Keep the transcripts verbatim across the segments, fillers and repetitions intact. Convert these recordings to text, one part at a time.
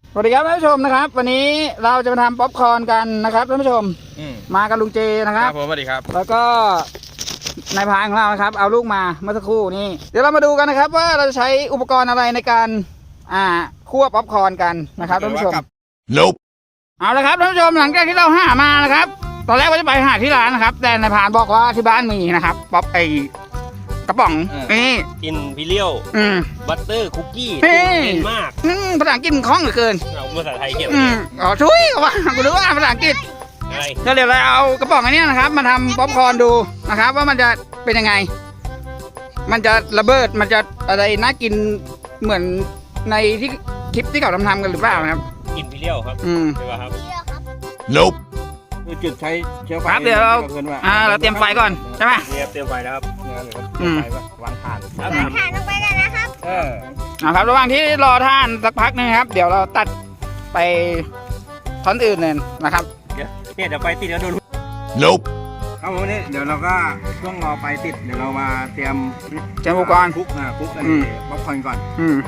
สวัสดีครับท่านผู้ชมนะครับวันนี้เราจะมาทำป๊อปคอร์นกันนะครับท่านผู้ชมมากับลุงเจนะครับผมสวัสดีครับแล้วก็นายพรานของเรานะครับเอาลูกมาเมื่อสักครู่นี้เดี๋ยวเรามาดูกันนะครับว่าเราจะใช้อุปกรณ์อะไรในการอ่าคั่วป๊อปคอร์นกันนะครับท่านผู้ชม Nope เอาละครับท่านผู้ชมหลังจากที่เราหามานะครับตอนแรกว่าจะไปหาที่ร้านนะครับแต่นายพรานบอกว่าที่บ้านมีนะครับป๊อปไอกระป๋องนี่อินพิเรียลบัตเตอร์คุกกี้เก่งมากภาษาอังกฤษคล่องเหลือเกินเอาภาษาไทยเขียนอ๋อช่วยเขาว่ากูรู้ว่าภาษาอังกฤษอะไรก็เดี๋ยวเราเอากระป๋องอันนี้นะครับมาทำป๊อปคอร์นดูนะครับว่ามันจะเป็นยังไงมันจะระเบิดมันจะอะไรน่ากินเหมือนในที่คลิปที่เขาทำทำกันหรือเปล่าครับอินพิเรียลครับอืมใช่ป่ะครับ Nope จุดใช้เชื้อไฟครับเดี๋ยวเราอ่าเราเตรียมไฟก่อนใช่ไหมเนี่ยเตรียมไฟแล้วครับเตรียมไฟวางถ่านวางถ่านลงไปกันนะครับเออนะครับระหว่างที่รอท่านสักพักนึงครับเดี๋ยวเราตัดไปท่อนอื่นเลยนะครับเนี่ยเดี๋ยวไฟติดแล้วโดน Nope ครับผมนี่เดี๋ยวเราก็ช่วงรอไฟติดเดี๋ยวเรามาเตรียมเตรียมอุปกรณ์คลุกอ่าคลุกกันป๊อปคอร์นก่อนอืม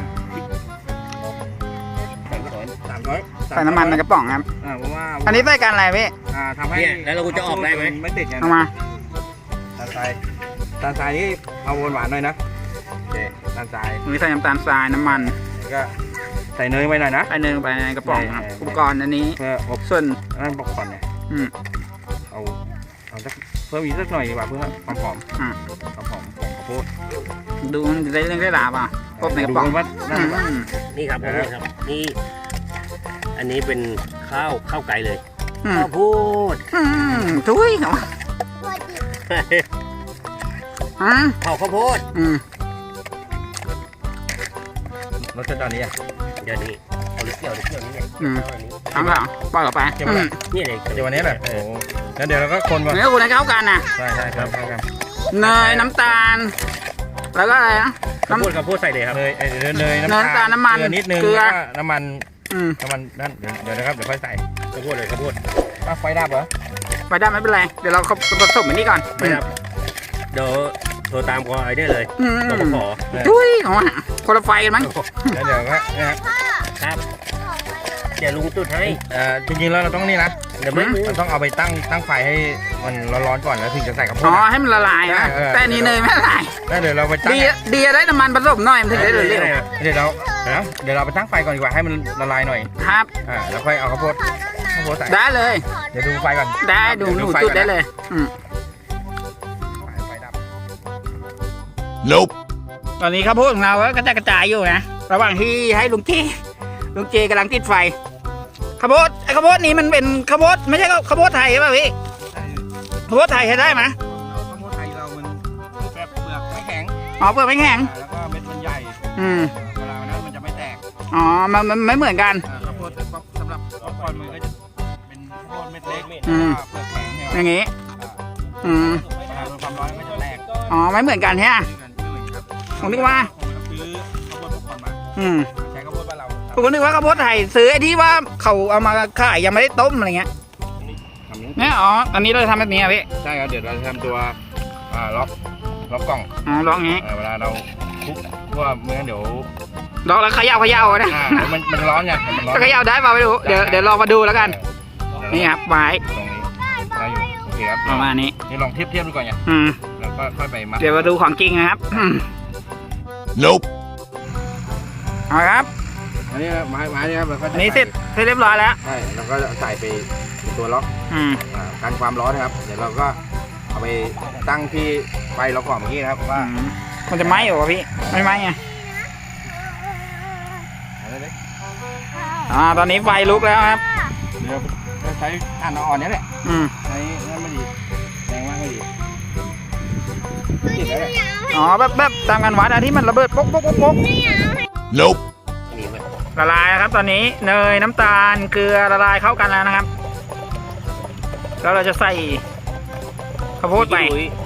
สามร้อยใส่น้ำมันในกระป๋องครับอ่าเพราะว่าอันนี้ใส่กันอะไรพี่อ่าทำให้แล้วเราจะออกได้ไหมไม่ติดไงเอามาตาลทรายตาลทรายนี่เอาหวานหน่อยนะโอเคตาลทรายมีใส่น้ำตาลทรายน้ำมันก็ใส่เนยไปหน่อยนะใส่เนยไปในกระป๋องครับอุปกรณ์อันนี้เพื่ออบส่วนนั่นป๊อปคอร์นเนี่ยอืมเอาเอาสักเพิ่มอีกสักหน่อยดีกว่าเพื่อความหอมอ่าความหอมของข้าวโพดดูมันจะได้เรื่องได้หลาป่ะพบในกระป๋องว่านี่ครับนี่ครับนี่อันนี้เป็นข้าวข้าวไก่เลยข้าวโพดทุยเหรอข้าวข้าวโพดรสชาติตอนนี้อ่ะเดี๋ยวนี้เอาเกี่ยวเกี่ยวนี่ไงทำเปล่าปล่อยออกไปนี่เลยเดี๋ยววันนี้แหละโอ้แล้วเดี๋ยวเราก็คนก่อนเนื้อคุณให้เข้ากันนะใช่ใช่ครับเข้ากันเนยน้ำตาลแล้วก็อะไรนะข้าวโพดข้าวโพดใส่เลยครับเนยเนยน้ำตาลน้ำมันเกลือนิดนึงเกลือน้ำมันน้ำมันนั่นเดี๋ยวนะครับเดี๋ยวค่อยใส่ข้าวโพดเลยข้าวโพดไฟดับเหรอไฟดับไม่เป็นไรเดี๋ยวเราผสมอันนี้ก่อนไม่ดับเดี๋ยวโทรตามคอไอได้เลยขอขอทุยของอ่ะคนละไฟกันมั้งแล้วเดี๋ยวก็ครับเดี๋ยวลุงจุดให้อ่าจริงๆแล้วเราต้องนี่นะเดี๋ยวมันต้องเอาไปตั้งตั้งไฟให้มันร้อนๆก่อนแล้วถึงจะใส่ข้าวโพดอ๋อให้มันละลายนะแต่นี้เนยไม่ละลายแล้วเดี๋ยวเราไปตั้งดีดีได้น้ำมันผสมหน่อยมันถึงได้เร็วเดี๋ยวเราเดี๋ยวเราไปตั้งไฟก่อนดีกว่าให้มันละลายหน่อยครับอ่าแล้วค่อยเอาข้าวโพดข้าวโพดใส่ได้เลยเดี๋ยวดูไฟก่อนได้ดูหนูจุดได้เลยอืมไฟดับ Nope ตอนนี้ข้าวโพดของเราก็กระจายกระจายอยู่นะระหว่างที่ให้ลุงเจลุงเจกำลังติดไฟข้าวโพดไอ้ข้าวโพดนี้มันเป็นข้าวโพดไม่ใช่ข้าวโพดไทยใช่ป่ะพี่ข้าวโพดไทยใช้ได้ไหมข้าวโพดไทยเรามันแบบเปลือกไม่แข็งอ๋อเปลือกไม่แข็งแล้วก็เม็ดมันใหญ่อืมเวลานั้นมันจะไม่แตกอ๋อมันมันไม่เหมือนกันข้าวโพดสำหรับป๊อปคอร์นมันก็จะเป็นข้าวโพดเม็ดเล็กอืมเปลือกแข็งเนี่ยอย่างงี้อืมเวลาโดนความร้อนมันจะแตกอ๋อไม่เหมือนกันใช่ไหมผมนึกว่าซื้อข้าวโพดป๊อปคอร์นมาอืมใช้ข้าวโพดบ้านเราผมนึกว่าข้าวโพดไทยซื้อไอ้ที่ว่าเขาเอามาขายยังไม่ได้ต้มอะไรเงี้ยเนี่ยอ๋ออันนี้เราทำแบบนี้อ่ะพี่ใช่ครับเดี๋ยวเราจะทำตัวอ่าล็อกล็อกกล่องอ๋อล็อกงี้เวลาเราคลุกเพราะว่าเมื่อเดี๋ยวล็อกแล้วเขย่าเขย่านะมันมันร้อนไงมันร้อนจะเขย่าได้ป่ะไม่รู้เดี๋ยวเดี๋ยวลองมาดูแล้วกันนี่ครับไม้ตรงนี้ได้อยู่โอเคครับประมาณนี้นี่ลองเทียบเทียบดูก่อนไงอืมแล้วก็ค่อยไปมัดเดี๋ยวมาดูของจริงนะครับ Nope เอาครับอันนี้ไม้ไม้นี่ครับอันนี้เสร็จเสร็จเรียบร้อยแล้วใช่แล้วก็ใส่ไปตัวล็อกกันความร้อนนะครับเดี๋ยวเราก็เอาไปตั้งที่ไฟเราก่อนเมื่อกี้นะครับว่ามันจะไหม้หรอพี่ไม่ไหม้ไงอ่าตอนนี้ไฟลุกแล้วครับเดี๋ยวใช้ถ่านอ่อนๆนี่แหละอืมใช้นั่นไม่ดีแรงมากไม่ดีติดแล้วแหละอ๋อแบบแบบตามกันวัดอะที่มันระเบิดปุ๊กปุ๊กปุ๊กปุ๊ก Nope ละลายครับตอนนี้เนยน้ำตาลเกลือละลายเข้ากันแล้วนะครับแล้วเราจะใส่ข้าวโพดไป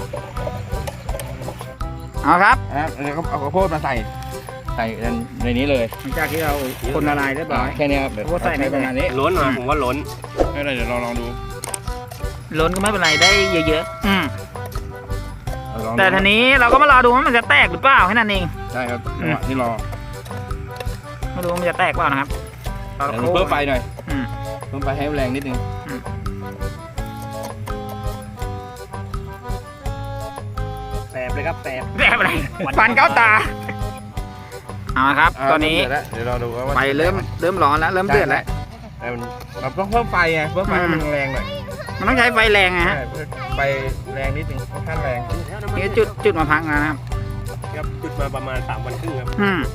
เอาครับแล้วก็เอาข้าวโพดมาใส่ใส่ในนี้เลยหลังจากที่เราคนละลายเรียบร้อยแค่นี้ครับข้าวโพดใส่ในประมาณนี้ล้นมาผมว่าล้นไม่เป็นไรเดี๋ยวเราลองดูล้นก็ไม่เป็นไรได้เยอะๆอืมแต่ทีนี้เราก็มารอดูว่ามันจะแตกหรือเปล่าแค่นั้นเองใช่ครับนี่รอมาดูว่ามันจะแตกเปล่านะครับตอนเดี๋ยวโค้งเพิ่มไฟหน่อยอืมเพิ่มไฟให้แรงนิดนึงแสบเลยครับแสบแสบอะไรฟันเข้าตาเอาละครับ ตอนนี้เดี๋ยวเราดูว่าไฟเริ่มเริ่มร้อนแล้วเริ่มเดือดแล้วแต่มันเราต้องเพิ่มไฟไงเพิ่มไฟให้มันแรงหน่อยมันต้องใช้ไฟแรงไงฮะใช่เพิ่มไฟแรงนิดนึงค่อนข้างแรงนี่จุดจุดมาพักแล้วนะครับครับจุดมาประมาณสามวันครึ่งครับอืม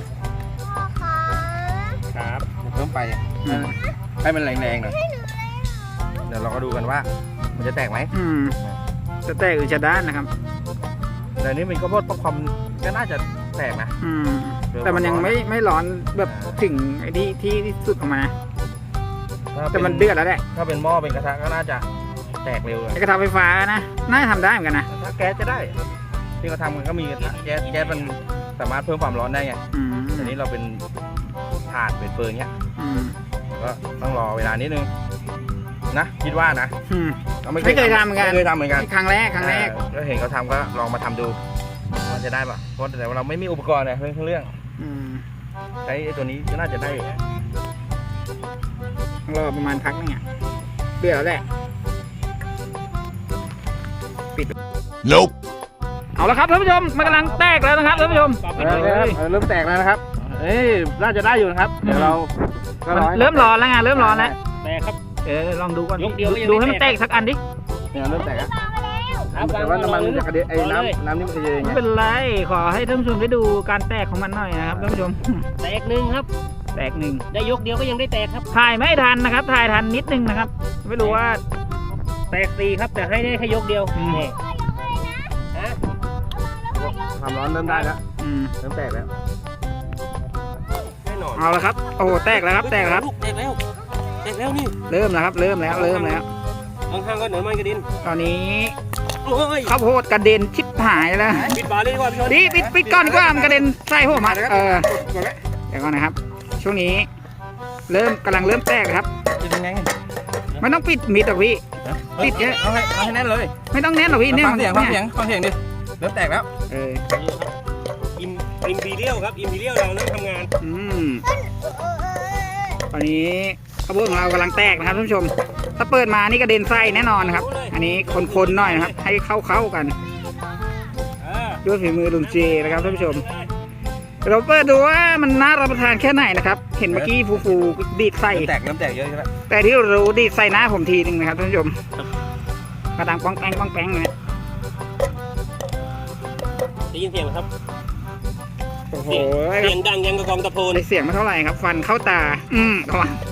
ครับเพิ่มไฟอืมให้มันแรงๆหน่อยเดี๋ยวเราก็ดูกันว่า มันจะแตกไหมอืมจะแตกหรือจะด้านนะครับแต่อันนี้เป็นข้าวโพดป๊อปคอร์นก็น่าจะแตกนะอืมแต่มันยังไม่ไม่ร้อนแบบถึงไอ้ที่ที่ที่สุดออกมาถ้าแต่เป็มันเดือดแล้วแหละถ้าเป็นหม้อเป็นกระทะก็น่าจะแตกเร็วเลยไอ้กระทะไฟฟ้านะน่าจะทำได้เหมือนกันนะถ้าแก๊สจะได้ที่เขาทำกันก็มีกระทะแก๊สแก๊สมันสามารถเพิ่มความร้อนได้ไงอืมแต่นี้เราเป็นถ่านเป็นเฟิร์นเงี้ยอืมก็ต้องรอเวลานิดนึงนะคิดว่านะอืมราไม่เคยทำเหมือนกันไม่เคยทำเหมือนกันครั้งแรกครั้งแรกเออก็เห็นเขาทำก็ลองมาทำดูว่าจะได้ปะเพราะแต่ว่าเราไม่มีอุปกรณ์เนี่ยเรื่องเรื่องอืมใช้ไอ้ตัวนี้ก็น่าจะได้รอประมาณพักนึงอ่ะเดือดแล้วแหละ Nope. เอาละครับท่านผู้ชมมันกำลังแตกแล้วนะครับท่านผู้ชมเออเออเออเริ่มแตกแล้วนะครับ เอ้ยน่าจะได้อยู่นะครับเดี๋ยวเราก็มันอให้เริ่มร้อนแล้วไงเริ่มร้อนแล้วแตกครับเออลองดูก่อนยกเดียวก็ยังดูไม่ให้มันแตแตกกสักอันดิเนี่ยเริ่มแตกแล้วครับแต่ว่าน้ำมันมันจะกระเด็นไอ้รอเลยน้ำน้ำนี่มันจะเย็นไม่ไงเป็นไรขอให้ท่านผู้ชมได้ดูการแตกของมันหน่อยนะครับท่านผู้ชมแตกหนึ่งครับแตกหนึ่งได้ยกเดียวก็ยังได้แตกครับถ่ายไม่ทันนะครับ ถ่ายทันนิดนึงนะครับ ไม่รู้ว่าแตกสี่ครับแต่ให้ได้แค่ยกเดียวอืมนี่ฮะความร้อนเริ่มได้แล้วอืมเริ่มแตกแล้วแน่นอนเอาละครับโอ้โหแตกแล้วครับแตกแล้วครับแตกแล้วแตกแล้วนี่เริ่มแล้วครับเริ่มแล้วเริ่มแล้วข้างๆก็เหนือมันกระดินตอนนี้โอ้ยข้าวโพดกระเด็นชิบหายแล้วปิดบาร์เลยดีกว่าพี่ชนดิปิดปิดก่อนดีกว่ามันกระเด็นใส่ผมอ่ะเออหมดแล้วเดี๋ยวก่อนนะครับ ช่วงนี้ เริ่มกำลังเริ่มแตกครับเป็นยังไงไม่ต้องปิดมิดหรอกพี่ ปิดเยอะเอาให้เอาให้แน่นเลยไม่ต้องแน่นหรอกพี่เนี่ยฟังเสียงฟังเสียนี่งฟังเสียงดิเริ่มแตกแล้วเอออิมอิมพีเรียลครับอิมพีเรียลเราเริ่มทำงานอืมตอนนี้ข้าวโพดของเรากำลังแตกนะครับท่านผู้ชม ถ้าเปิดมานี่กระเด็นไส้แน่นอนนะครับ อันนี้คนๆหน่อยนะครับ ให้เข้าๆกันเออด้วยฝีมือลุงเจนะครับท่านผู้ชม เราเปิดดูว่ามันน่ารับประทานแค่ไหนนะครับ เห็นเมื่อกี้ฟูๆดีดไส้เริ่มแตกเริ่มแตกเยอะใช่ไหมแต่ที่รู้ดีดใส่หน้าผมทีนึงนะครับท่านผู้ชมกระดังป้องแป้งป้องแป้งเลยได้ยินเสียงไหมครับโอ้โหเสียงดังยังกระกองตะโพนได้เสียงไม่เท่าไหร่ครับ ฟันเข้าตา อืมระวัง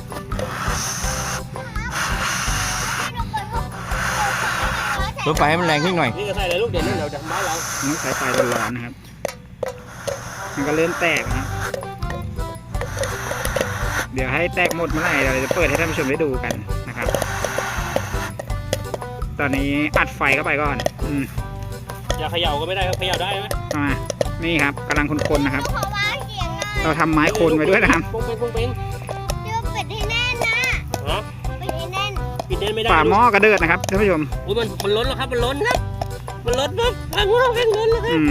เพิ่มไฟให้มันแรงขึ้นหน่อยนี่ก็ใส่เลยลูกเด่นนี่เราจะทำบ้านเราต้องใช้ไฟร้อนๆนะครับ มันก็เริ่มแตกนะเดี๋ยวให้แตกหมดเมื่อไหร่เราจะเปิดให้ท่านผู้ชมได้ดูกันนะครับ ตอนนี้อัดไฟเข้าไปก่อน อืมอย่าเขย่าก็ไม่ได้ครับเขย่าได้ไหมเอามานี่ครับกำลังคนๆนะครับขอวางเสียงหน่อยเราทำไม้คนไว้ด้วยนะครับปุ้งเป้งปุ้งเป้งเดี๋ยวปิดให้แน่นนะฮะปิดให้แน่นปิดเด่นไม่ได้ฝาหม้อกระเดิดนะครับท่านผู้ชมอุ้ยมันมันล้นแล้วครับมันล้นครับมันล้นปุ๊บฟังเราแข่งล้นแล้วครัอืบม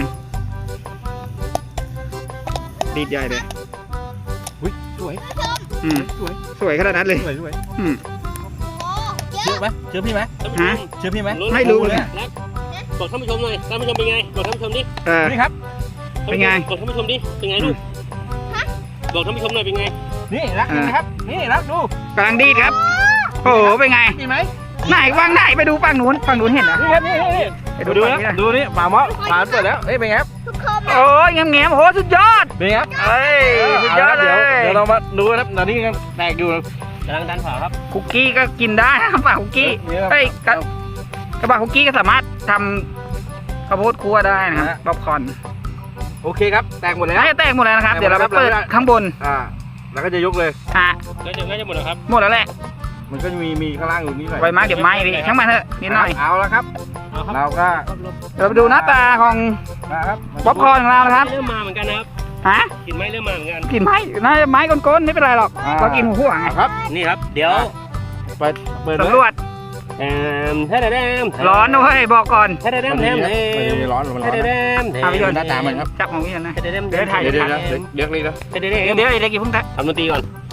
ดีดใหญ่เลยอุ้ยสวยอืมสวยสวยขนาดนั้นเลยสวยสวยอืมโอ้เยเชื่ออะไหมเชื่อพี่ไหมท่านผู้ชฮะมเชื่อพี่ไหมล้นไม่รู้เลยแล้วบอกท่านผู้ชมหน่อยท่านผู้ชมเป็นไงบอกท่านผู้ชมดิเออนี่ครับเป็นไงบอกท่านผู้ชมดิเป็นไงลูกบอกท่านผู้ชมหน่อยเป็นไงนี่รักนี่นะครับ นี่รักดูกำลังดีดครับ โอ้โห เป็นไงนี่ไหมไหนวางไหนไปดูฝั่งนู้น ฝั่งนู้นเห็นเหรอนี่ครับนี่นี่ไปดูดูดูฝั่งนะนี้นะดูนี่ฝาหม้อฝาเปิดแล้วเอ้ยเป็นไงครับทุกคนโอ้ยแง้มแง้มๆโอ้โห สุดยอดเป็นไงครับเอ้ย สุดยอดเลเดี๋ยวย เดี๋ยวเรามาดูนะครับตอนนี้ยังแตกอยู่กำลังดันฝาครับคุกกี้ก็กินได้นะครับปากคุกกี้นี่ครับเอ้ยกระกระบะคุกกี้ก็สามารถทำข้าวโพดคั่วได้นะครับฮะป๊อปคอร์นโอเคครับแตกหมดแล้วน่าจะแตกหมดแล้วนะครับแตกหมดเดี๋ยวเราไปเปิดแล้วครับข้างบนอ่าแล้วก็จะยกเลยฮะแล้วจะง่ายจะหมดแล้วครับหมดแล้วแหละมันก็จะมีมีข้างล่างอยู่นิดหน่อยไว้มากเดี๋ยวไหม้พี่ช่างมันเถอะนิดหน่อยเอาแล้วครับเอาครับเราก็เราไปดูหน้าตาของนะครับป๊อปคอร์นของเรานะครับเริ่มมาเหมือนกันนะครับฮะกลินไม้เริ่มมาเหมือนกันกลินไม้น่าจะไม้ก้นๆไม่เป็นไรหรอกเรากินหัวหัวไงครับนี่ครับ เดี๋ยวเปิดเปิดเลยสำรวจเอ่อแท้แดมร้อนด้วยบอกก่อนแท้แดมแท้แดมไม่ได้ร้อนมันร้แท้อนแดนะมเอาไปโยนหน้าตามันครับจับของพี่นะแท้แดมเดี๋ยวถ่ายเดี๋ยวเดี๋ยวเดี๋ยวเดี๋ยวเรียกเลยนะแท้แดเดี๋ยวมเดี๋ยวไอ้เด็กกี่พุ่งทักทำดนตรีก่อน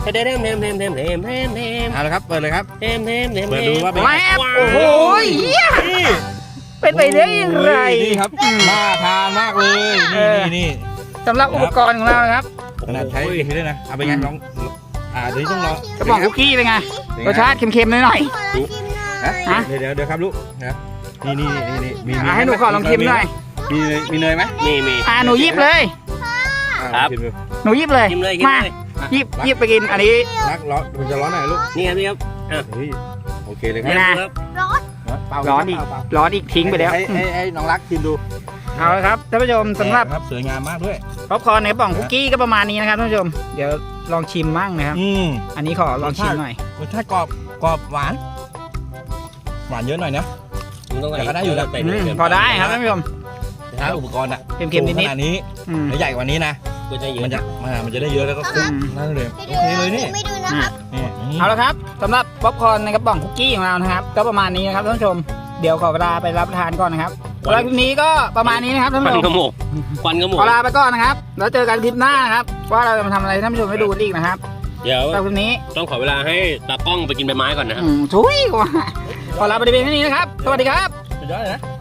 เทมเทมเทมเทมเทมเทมเทมเอาละครับเปิดเลยครับเทมเทมเทมเปิดดูว่าเป็นแวบโอ้โหเหี้ยเป็นไปได้ยังไงนี่ครับน่าทานมากเลยนี่นี่นี่สำหรับอุปกรณ์ของเรานะครับขนาดใช้อย่างนี้ด้วยนะเอาไปไงลองอ่าเดี๋ยวนี้ต้องรอกระป๋องคุกกี้เป็นไงรสชาติเค็มๆหน่อยขอลองชิมหน่อยฮะเดี๋ยวเดี๋ยวเดี๋ยวครับลูกนะนี่นี่นี่นี่มีๆอ่ะให้หนูขอลองชิมหน่อยมีเนยมีเนยไหมมีมีอ่ะหนูหยิบเลยครับชิมดูหนูหยิบเลยกินเลยกินมาเลยหยิบหยิบไปกินอันนี้รักร้อนมันจะร้อนหน่อยลูกนี่ครับนี่ครับเฮ้ยโอเคเลยคนี่รับนะครับร้อนเปล่าร้อนอีกเปล่าร้อนอีกทิ้งไปแล้วให้ให้ให้น้องรักชิมดูเอาละครับท่านผู้ชมสำหรับครับสวยงามมากด้วยป๊อปคอร์นในกระป๋องคุกกี้ก็ประมาณนี้นะครับท่านผู้ชมเดี๋ยวลองชิมมั่งนะครับอืมอันนี้ขอลองชิมหน่อยรสชาติกรอบกรอบหวาน หวานเยอะหน่อยนะมึงต้องแต่ก็ได้อยู่นะใส่อืเนยมเกินพอได้ครับท่านผู้ชมถ้าอุปกรณ์อะเค็มๆนิดๆขนาดนี้อืมแล้วใหญ่กว่านี้นะก็จะเยมันอะจะมันมันจะได้เยอะแล้วก็คุ้มนั่นเลยไปโอดูเคเลยนี่ไม่ดูนะครับนี่นี่เอาละครับสำหรับป๊อปคอร์นในกระป๋องคุกกี้ของเรานะครับ ก็ประมาณนี้นะครับท่านผู้ชมเดี๋ยวขอเวลาไปรับประทานก่อนนะครับสำหรับคลิปนี้ก็ประมาณนี้นะครับท่านควันผู้ชกระมหมกควันกระหมกขอลาไปก่อนนะครับแล้วเจอกันคลิปหน้านะครับว่าเราจะมาทำอะไรให้ท่านผู้ชมได้ดูกันอีกนะครับเดี๋ยวสำหรับคลิปนี้ต้องขอเวลาให้ตากล้องไปกินใบไม้ก่อนนะครับอืมทุยกว่าขอลาไปเพียงเท่านี้นะครับสวัสดีครับสุดยอดเลยนะ